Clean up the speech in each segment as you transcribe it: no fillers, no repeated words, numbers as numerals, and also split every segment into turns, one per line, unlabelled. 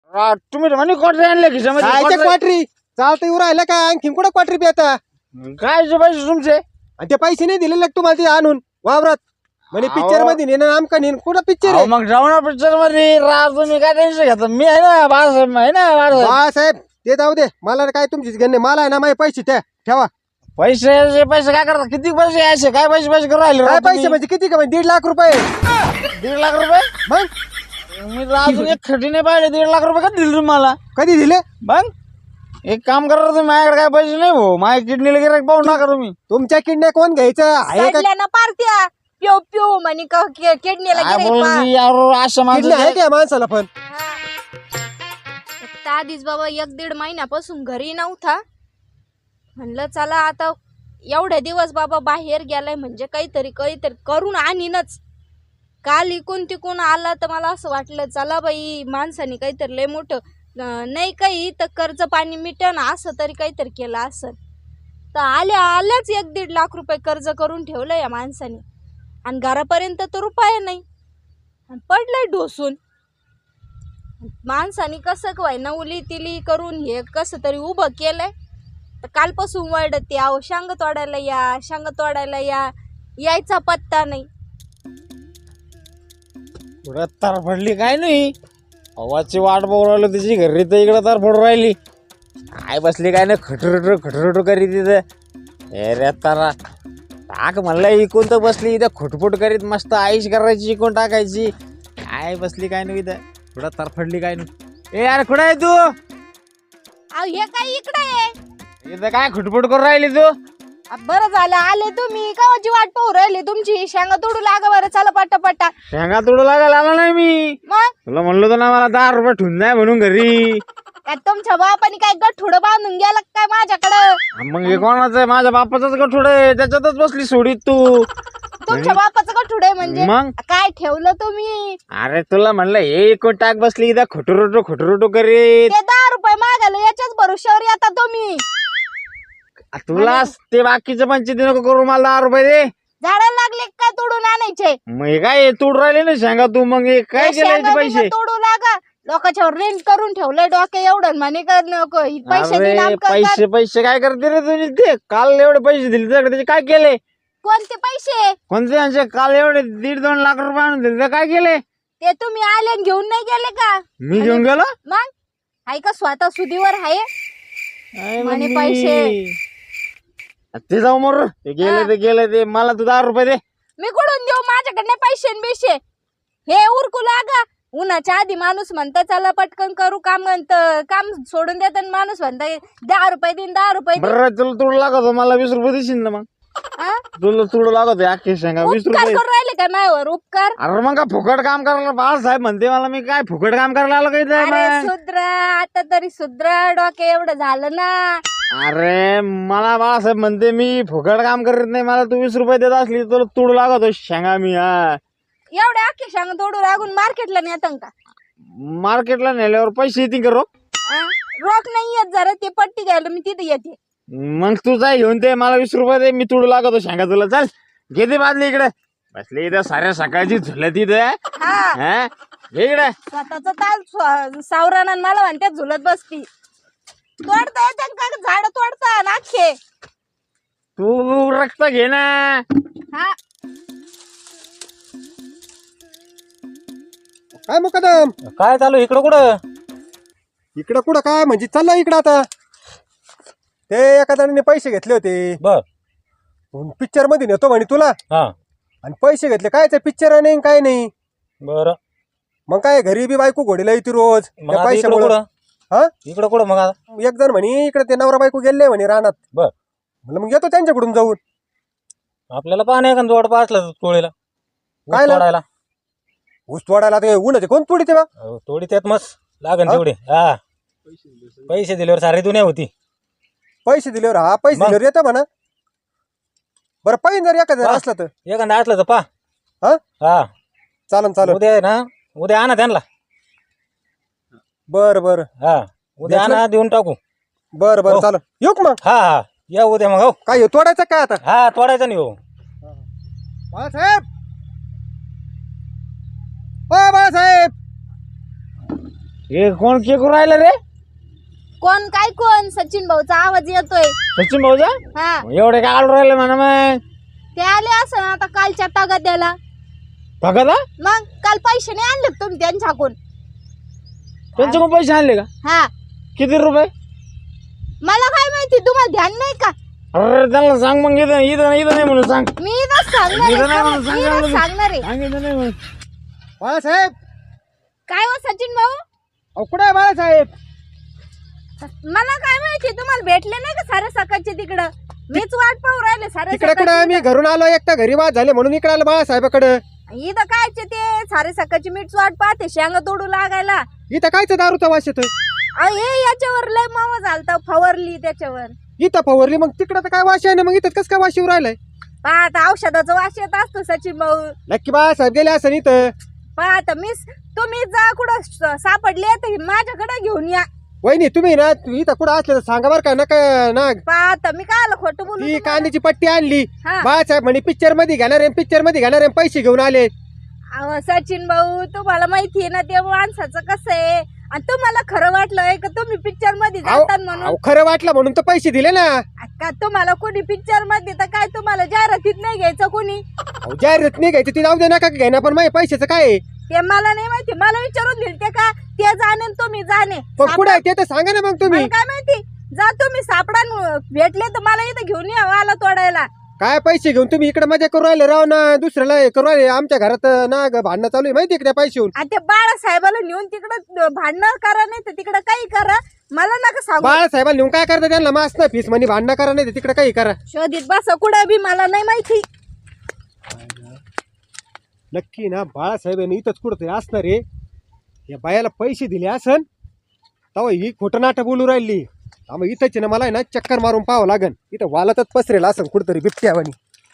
तुम्ही म्हणे क्वाटरी आणले खिशामध्ये
क्वाटरी चालतं येऊ राहिलं का आणखी कुठं क्वाटरी बी आता
काय पैसे तुमचे
आणि ते पैसे नाही दिलेले तुम्हाला ते आणून वावरात म्हणे पिक्चर मध्ये नेणं आमका नेन कुठं पिक्चर
अहो, मग जाऊ ना पिक्चर मध्ये राज तुम्ही काय टेन्शन घेता मी आहे ना बाळासाहेब आहे ना बाळासाहेब
साहेब ते जाऊ दे मला काय तुमचीच घेणे मला आहे ना माझे पैसे त्या ठेवा
पैसे पैसे काय करता किती पैसे यायचे काय पैसे पैसे करू राहिले
काय
राव
पैसे
तुम्ही?
म्हणजे किती का म्हणजे 1.5 लाख रुपये
1.5 लाख रुपये
मग
मी तर अजून एक खटी नाही पाहिले 1.5 लाख रुपये का दिले तुम्हाला
कधी दिले
मग एक काम करा तुम्ही माझ्याकडे काय पैसे नाही भाऊ माझ्या किडनीला गिरायक पाहून टाका तुम्ही
तुमच्या किडण्या कोण घ्यायचं आहे का
ना पार्ट्या प्यो प्यो म्हणे किडनीला
काय
गिऱ्हाईक
बोलती यार अशा
किडनी आहे
माणसं
का या माणसाला पण
आधीच बाबा 1-1.5 महिन्यापासून घरी नव्हता म्हणलं चला आता एवढे दिवस बाबा बाहेर गेलाय म्हणजे काहीतरी करून आणीनच काल इकून तिकून आला तर मला असं वाटलं चला बाई माणसाने काहीतरी लय मोठं नाही काही तर कर्ज पाणी मिटन असं तरी काहीतरी केलं असं तर आल्याच 1-1.5 लाख रुपये कर्ज करून ठेवलं या माणसाने आणि घरापर्यंत तर रुपये नाही पडलंय ढोसून माणसाने कसं काय नवली तिली करून हे कसं तरी उभं केलंय तर कालपासून वळडते आहो शांग तोडायला यायचा पत्ता नाही
पुढे तार पडली काय नाही आवाजची वाट बघू राहिलो तिची घरी तर इकडं तार पडू राहिली काय बसली काय नाही खटरटू करीत तिथं रे तारा टाक म्हणलं इकून तर बसली इथं खोटफोट करीत मस्त आईश करायची इकून टाकायची काय बसली काय नाही इथं पुढं तार पडली काय नाही ए यार कुठं आहे तू
अहो हे काय इकडे आहे
इथं काय खोटफोट करून राहिली तू
बरं झालं आले तुम्ही कावाची वाट पाहू राहिली तुमची शेंगा तोडू लागा बरं चला पट्टा
शेंगा तोडू लागायला आला नाही मी
मग
तुला म्हणलो तर ना मला 10 रुपये ठेवून नाही म्हणून घरी
काय तुमच्या बापाने काय गठुडं बांधून गेला काय माझ्याकडं
मग हे कोणाचं आहे माझ्या बापाचाच गठोड आहे त्याच्यातच बसली सोडीत तू
तुमच्या बापाचं गठुडं आहे म्हणजे
मग
काय ठेवलं तुम्ही
अरे तुला म्हणलं हे एकूण टाक बसली इथं खोटू करीत
ते 10 रुपये मागायला याच्याच भरोश्यावर येता तुम्ही
तुला ते बाकीचे पंचायती नको करू मला 10 रुपये दे
झाडाला लागले काय तोडून आणायचे
मग हे काय तूड राहिले ना सांगा तू मग हे काय
हे
केलं
शेंगा
याचे पैसे
बिंगा तोडू लागा लोकांच्या रेंट करून ठेवलंय डोके एवढं म्हणे का नको पैसे
अरे
देईन आमका कर.
पैसे काय करते रे तुझे ते काल एवढे पैसे दिले तुझ्याकडे त्याचे काय केले
कोणते पैसे
कोणते यांचे काल एवढे 1.5-2 लाख रुपये आणून दिले काय केले
ते तुम्ही आले आणि घेऊन नाही गेले का
मी घेऊन गेलो
मग आहे का स्वतः सुधीवर आहे
काय
म्हणे
मम्मी?
पैसे.
ते जाऊ मर ते गेले ते मला तू 10 रुपये दे
मी कुठून देऊ माझ्याकडे पैसे न बिशे हे उरकू लागा उन्हाच्या आधी माणूस म्हणतं चला पटकन करू काम काम सोडून देत माणूस म्हणता 10 रुपये देईन 10 रुपये देईन.
बरं तुला तुड लागत मला 20 रुपये देशील ना मग
हा?
तुला तुड लागत अख्खे शेंगा 20
उपकार
रुपये
करून राहिले का माझ्यावर उपकार
अरे मग का फुकट काम करायला बाळासाहेब म्हणते मला मी काय फुकट काम करायला आलो काही
अरे सुधरा आता तरी सुधरा डोके एवढं झालं ना
अरे मला बाळासाहेब म्हणते मी फुकट काम करत नाही मला तू 20 रुपये देत असली तुला तुड लागत शेंगा मी हा
एवढे अख्खे शांग तोडू लागून मार्केटला नेतं का
मार्केटला नेल्यावर पैसे येतील का रोख
रोख नाही येत जरा ते पट्टी घ्यायला मी तिथे येते
मग तू जाय घेऊन ते मला 20 रुपये दे मी तुड लागतो शेंगा तुला चल घेते बादली इकडे बसली इथं साऱ्या सकाळची झुलत इथं
हा
घे इकडे
स्वतःच ताल सावराना मला म्हणते झुलत बसती तोडता येते का झाड तोडता नाखे
तू रक्त घे ना
हा
काय मुकदम
काय चालू इकडं कुठं
काय म्हणजे चाललं इकडं आता ते एका जणांनी पैसे घेतले होते
बर
पिक्चर मध्ये नेतो म्हणे तुला
हा
आणि पैसे घेतले काय पिक्चर नाही काय नाही
बर
मग काय घरी बी बायको घोडीला येते रोज
मग
त्या
आता इकडं
पैशामुळं.
कुठं
हा
इकडं कुठं मग आता
एक जण म्हणे इकडे ते नवरा बायको गेले म्हणे रानात
बर
म्हणलं मग येतो त्यांच्याकडून जाऊन
आपल्याला पाणी का जोड पासला तोडीला ऊस
काय ला?
तोडायला
ऊस तोडायला ते उन्हाचे कोण तोडी ते बा
तोडी त्यात मस्त लागन
हा?
तेवढे हा पैसे दिल्यावर सारी दुनिया होती
पैसे दिल्यावर हा पैसे
मग?
दिल्यावर येतं म्हणा बरं पैन जर एका जर
हा.
असलं तर
एखादा असलं तर पा
हा
हा
चालन
उद्या आहे ना उद्या आणा त्यांना
बरं बरं
हा उद्या
घेतलं?
आणा देऊन टाकू
बरं बरं
हो.
चालन येऊ का मग
हा या उद्या मग हो
काय हे तोडायचं काय आता
हा तोडायचं नाही हो
बाळासाहेब ओ बाळासाहेब
हे कोण के करू राहिलं रे?
कोण काय कोण सचिन भाऊचा आवाज येतोय.
सचिन भाऊजा
हा
एवढे काय आडू राहिले म्हणा मग
ते आले असं आता कालच्या तगाद्याला.
बघा
मग काल पैसे नाही आणले तुम्ही त्यांच्याकडून.
त्यांच्याकडून पैसे आणले का?
हा
किती रुपये?
मला काय माहिती, तुम्हाला ध्यान नाही का?
अरे त्यांना सांग मग इथं इथं इथं नाही म्हणून सांग.
मी इथंच सांगणार
इथं नाही
आहे.
म्हणून
मी इथंच सांगणार आहे.
सांग इथं नाही म्हणून.
बाळासाहेब
काय हो सचिन भाऊ,
अहो कुठे आहे बाळासाहेब?
मला काय माहिती तुम्हाला भेटले नाही का सारे सकाळचे तिकडं? मीच वाट पाहू राहिले सारे
तिकडे कुठे मी घरून आलो एकटा घरी वाद झाले म्हणून इकडे आलो बाळासाहेबाकडे.
इथं कायचे ते सारे सकाळची मीच वाट पाहते शेंगा तोडू लागायला.
इथं कायचं दारूचा वास येतोय?
अहो, हे याच्यावर लय मावा झालता, फवारली त्याच्यावर.
इथं फवारली मग तिकडे तर काय वास आहे ना, मग इथं कसं काय वास येऊ राहिलाय?
पाहता औषधाचा वास येत असतो सचिन भाऊ.
नक्की बाळासाहेब गेले असं इथं.
पाहता तुम्ही जा कुठं सापडले तर माझ्याकडे घेऊन या.
वहिनी तुम्ही ना इथं कुठं असले तर सांगा बरं का नका ना.
पाहता मी काय खोटं बोलू
ती
तुम्हाला?
कांद्याची पट्टी आणली
हा.
बाळासाहेब म्हणे पिक्चर मध्ये घेणार आहे, पिक्चर मध्ये घेणार आहे, पैसे घेऊन आले.
अहो सचिन भाऊ, तुम्हाला माहितीये ना ते माणसाचं कसं आहे. आणि तुम्हाला खरं वाटलंय का तुम्ही पिक्चर मध्ये जातात म्हणून?
अहो, खरं वाटलं म्हणून तर पैसे दिले ना.
का तुम्हाला कोणी पिक्चर मध्ये तर काय तुम्हाला जाहिरातीत नाही घ्यायचं कोणी?
अहो, जाहिरात नाही घ्यायची ती जाऊ दे नका घेणार, पण माझ्या पैशाचं काय आहे?
ते मला नाही माहिती, मला विचारून दिल ते का ते जाणे आणि तुम्ही जाणे.
पण कुठं आहे ते तर सांगा ना मग तुम्ही.
मला काय माहिती, जा तुम्ही सापडा भेटले तर मला इथं घेऊन या वाला तोडायला.
काय पैसे घेऊन तुम्ही इकडे मजा करू राहिले राव ना, दुसऱ्याला हे करू राहिले. आमच्या घरात ना भांडणं चालू आहे माहिती आहे का त्या पैसे होऊन.
आणि ते बाळासाहेबाला नेऊन तिकडं भांडणं करा, नाही तर तिकडं काही करा. मला नका सांगू.
बाळासाहेबाला नेऊन काय करता त्यांना मास ना फीस म्हणे भांडणं करा, नाही तिकडे काही करा.
शोधित बसा कुठं बी, मला नाही माहिती.
नक्की ना बाळासाहेब यांनी इथंच कुठं तरी असणार आहे. या बायाला पैसे दिले असन तेव्हा ही खोटं नाटक बोलू राहिली. मग इथंच ना मला आहे ना चक्कर मारून पाहावं लागन. इथं वालातच पसरेल असं कुठंतरी बिबट्यावानी.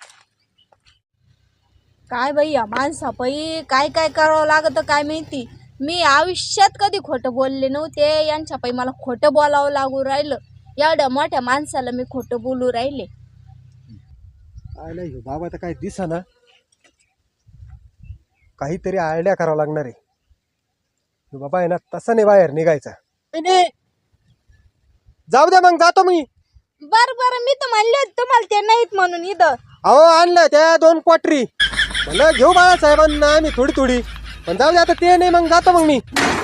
काय बाई या माणसा बाई, काय काय करावं लागत काय माहिती. मी आयुष्यात कधी खोटं बोलले नव्हते, यांच्या पायी मला खोटं बोलावं लागू राहिलं. एवढ्या मोठ्या माणसाला मी खोटं बोलू राहिले.
काय नाही ह्यो बाबा तर काय दिसा ना, काहीतरी आयडिया करावं लागणार आहे. ह्यो बाबा आहे ना तसा नाही बाहेर निघायचा. नाही. जाऊ द्या मग जातो मी.
बरं मी तर म्हणले होते तुम्हाला ते नाहीत म्हणून इथं.
अहो आणलं त्या 2 क्वाटरी म्हणलं घेऊ बाळासाहेबांना आम्ही थोडी पण जाऊ दे आता ते नाही, मग जातो मग मी.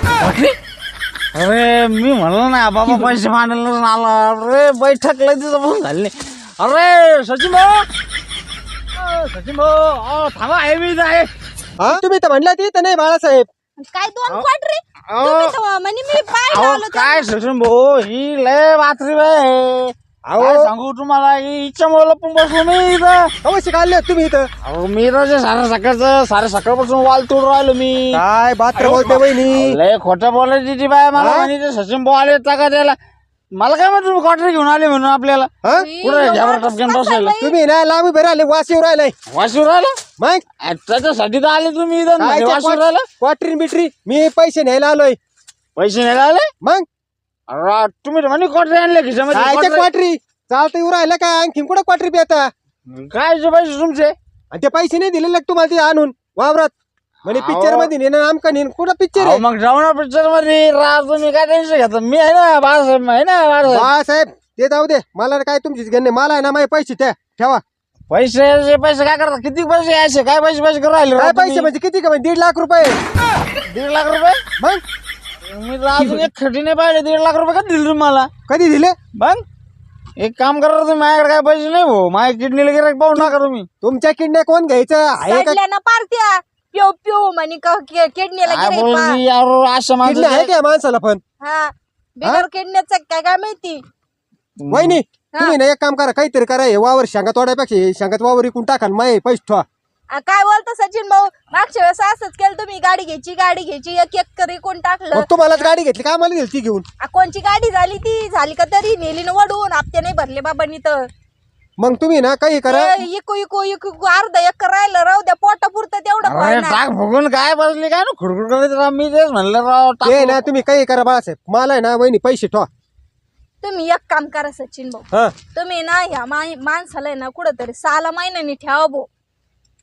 अरे मी म्हणलं ना बाबा पैसे मांडायला आला. अरे बैठक लय दिवसापासून झाली नाही. अरे सचिन भाऊ, सचिन भाऊ थांबा, आहे मी इथं आहे.
हा तुम्ही तर म्हणल्या ती तर नाही बाळासाहेब.
काय 2 क्वाटरी तुम्ही तर म्हणे मी पाहिलं
अहो
आलो
काय सचिन भाऊ, ही लय बातरी आहे. काय सांगू तुम्हाला, हिच्यामुळे लपून बसलो मी इथं.
अवश्य काढले तुम्ही इथं.
अहो मी तर सारे सकाळपासून वाल तोडून राहिलो मी.
काय बात्र बोलते वहिनी.
लय खोटं बोलायची ती बाय मला म्हणे ते सचिन भाऊ आले का द्यायला. मला काय म्हणतो तुम्ही क्वार्टर घेऊन आले म्हणून आपल्याला.
हा?
कुठे घ्यावर टपक्यान बसायला
तुम्ही ना लांब उभे राहिले, वास येऊ राहिलाय.
वाशीवर राहिला.
मग
त्याच्यासाठी तर आले तुम्ही इथं.
काय
वाशीवर राहिला.
क्वाटरी बिटरी मी पैसे न्यायला आलोय.
पैसे नाही आले.
मग
अरे तुम्ही तर म्हणे क्वार्टर आणले खिशामध्ये.
काय क्वाटरी चालतं येऊ राहिलं काय? आणखीन कुठं क्वाटरी पेता?
काय जे पैसे तुमचे?
आणि ते पैसे नाही दिलेले का तुम्हाला ते आणून वावरात म्हणे पिक्चर मध्ये नेणं आमका नेन. कुठं पिक्चर आहे?
मग जाऊ ना पिक्चर मध्ये राज. तुम्ही काय टेन्शन घेता, मी आहे ना बाळासाहेब, आहे ना बाळासाहेब.
बाळासाहेब ते जाऊ दे, मला काय तुमचीच घेणे. मला आहे ना माझे पैसे त्या ठेवा.
पैसे काय करता? किती पैसे यायचे? काय पैसे करू राहिले
काय
राव
पैसे
तुम्ही?
म्हणजे किती का? 1.5 लाख रुपये.
1.5 लाख रुपये?
मग
मी तर अजून एक खटी नाही पाहिले. 1.5 लाख रुपये का दिले तुम्हाला?
कधी दिले?
मग एक काम करा तुम्ही, माझ्याकडे काय पैसे नाही भाऊ. माझ्या किडनीला गिरायक पाहू नका तुम्ही.
तुमच्या किडण्या कोण घ्यायचं आहे का?
सडल्या ना पार्ट्या प्यो प्यो म्हणे किडनीला
काय
गिऱ्हाईक
बोलती यार, अशा
किडनी आहे
माणसं.
का माणसाला पण?
हा बिगर किडनीचं काय माहिती.
वहिनी तुम्ही ना एक काम करा, काहीतरी करा. हे वावर शेंगा तोडायपेक्षा हे शेंगात वावर विकून टाका आणि माझे पैसे ठेवा.
काय बोलतो सचिन भाऊ, मागच्या वेळेस असंच केलं तुम्ही. गाडी घ्यायची एक एक करी कोण टाकलं.
मग तुम्हालाच गाडी घेतली का? आम्हाला दिली ती घेऊन.
कोणची गाडी झाली ती झाली का तरी नेली ना वडून. हप्ते नाही भरले बाबांनी तर.
मग तुम्ही ना काही करा.
इकू अर्धा एकर राहिलं राहू द्या, पोटापुरतं तेवढं
अरे
पाहिजे.
टाक भोगून काय बसली काय ना खुडखुड करत राव. मी तेच म्हणलं राव
ते
टाक.
ना तुम्ही काही करा बाळासाहेब, मला आहे ना वहिनी पैसे ठेवा.
तुम्ही एक काम करा सचिन भाऊ,
हा
तुम्ही ना ह्या माणसाला आहे ना कुठंतरी 6 महिन्यांनी ठेवा भाऊ.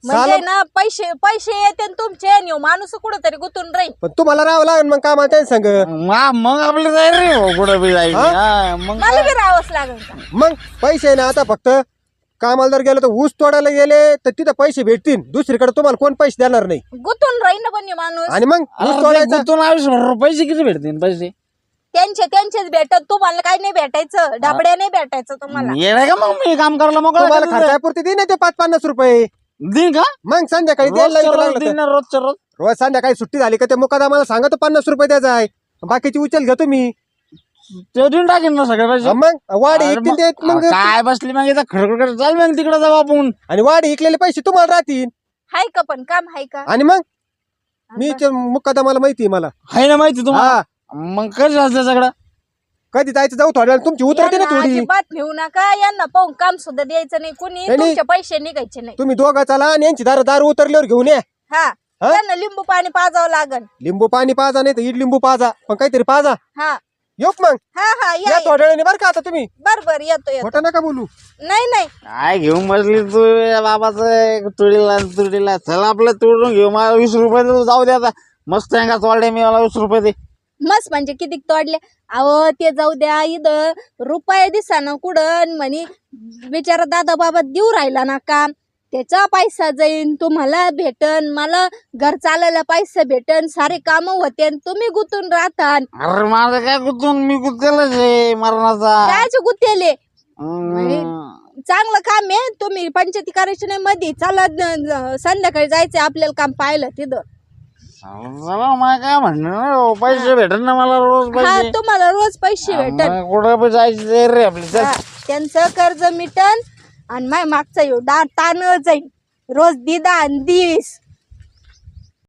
म्हणजे ना पैसे पैसे येते न तुमचे आणि ह्यो माणूस कुठंतरी गुतून राहील.
पण तुम्हाला राहावं लागेल मग कामाला त्यांनी सांग.
मग आपली जाईल रे हो, कुठं बी जाईल मग
मला बी राहावंच लागेल का?
मग पैसे आहे ना आता फक्त कामाला जर गेलं तर ऊस तोडायला गेले तर तिथं पैसे भेटतील. दुसरीकडे तुम्हाला कोण पैसे देणार नाही.
गुतून राहील ना पण ह्यो माणूस.
आणि मग ऊस तोडायचा
गुंतून आयुष्यभर पैसे किती भेटतील पैसे
त्यांचेच भेटत, तुम्हाला काय नाही भेटायचं, डबड्या नाही भेटायचं तुम्हाला.
येणार का मग मी काम करायला
तुम्हाला
मग
खर्चापुरती दे ना ते 5-50 रुपये.
दिन का
मग संध्याकाळी द्यायला
रोजच्या
लागलं
रोज
तर.
दिन ना, रोजच्या रोज
रोज संध्याकाळी सुट्टी झाली का ते मुकादमाला सांगा तर 50 रुपये द्यायचा आहे. बाकीची उचल घेतो मी.
ते देऊन टाकेन ना सगळे पैसे.
मग वाढ
अरे
इकतील ते मग
काय बसली मग इथं खडखड चाल मग तिकडे जाऊ आपण.
आणि वाढ इकलेले पैसे तुम्हाला राहतील.
हाय का पण काम हाय का?
आणि मग मी मुकादमाला माहिती आहे मला.
आहे ना माहिती तुम्हाला.
हा
मग कधी असलं सगळं
कधी जायचं जाऊ थोड्या वेळ तुमची उतरते ना
यांना
थोडी.
अजिबात नेऊ नका, यांना पाहून काम सुद्धा द्यायचं नाही कुणी,
नाही.
तुमचे पैसे निघायचे नाही.
तुम्ही दोघं चला आणि यांची दारू उतरल्यावर घेऊन या.
हा त्यांना लिंबू पाणी पाजावं लागल.
लिंबू पाणी पाजा नाही तर इड लिंबू पाजा पण काहीतरी पाजा.
हा
येऊ मग
हा
या
या
थोड्या वेळाने बरं का आता तुम्ही.
बर येतो
खोटं नका बोलू.
नाही
काय घेऊन बसली तू बाबाचं तुडीला चला आपलं तुडून घेऊ. मला 20 रुपये दे, जाऊ दे आता. मस्त आहे का तोडले मी, मला 20 रुपये दे.
मस्त म्हणजे किती तोडले. अहो ते जाऊ द्या, इथं रुपये दिसा ना कुठं म्हणे बिचारा दादा बाबा देऊ राहिला ना काम, त्याचा पैसा जाईन तुम्हाला भेटन, मला घर चालायला पैसा भेटन, सारे काम होते, तुम्ही गुतून राहता.
अरे माझं काय गुतून, मी गुतेलच आहे मरणाचा.
कायचे गुतेले?
हम्म.
चांगलं काम आहे. तुम्ही पंचायती करायची नाही मध्ये, चला संध्याकाळी जायचंय आपल्याला काम पाहिलं तिथं.
चला मला काय म्हणणं, पैसे भेटन ना मला रोज
हा
पैसे.
तुम्हाला रोज पैसे भेटन.
मग कुठं पण जायचं रे आपली. चल.
हा, त्यांचं कर्ज मिटन आणि माय मागचा ताण जाईल. रोज दिदा आणि दिस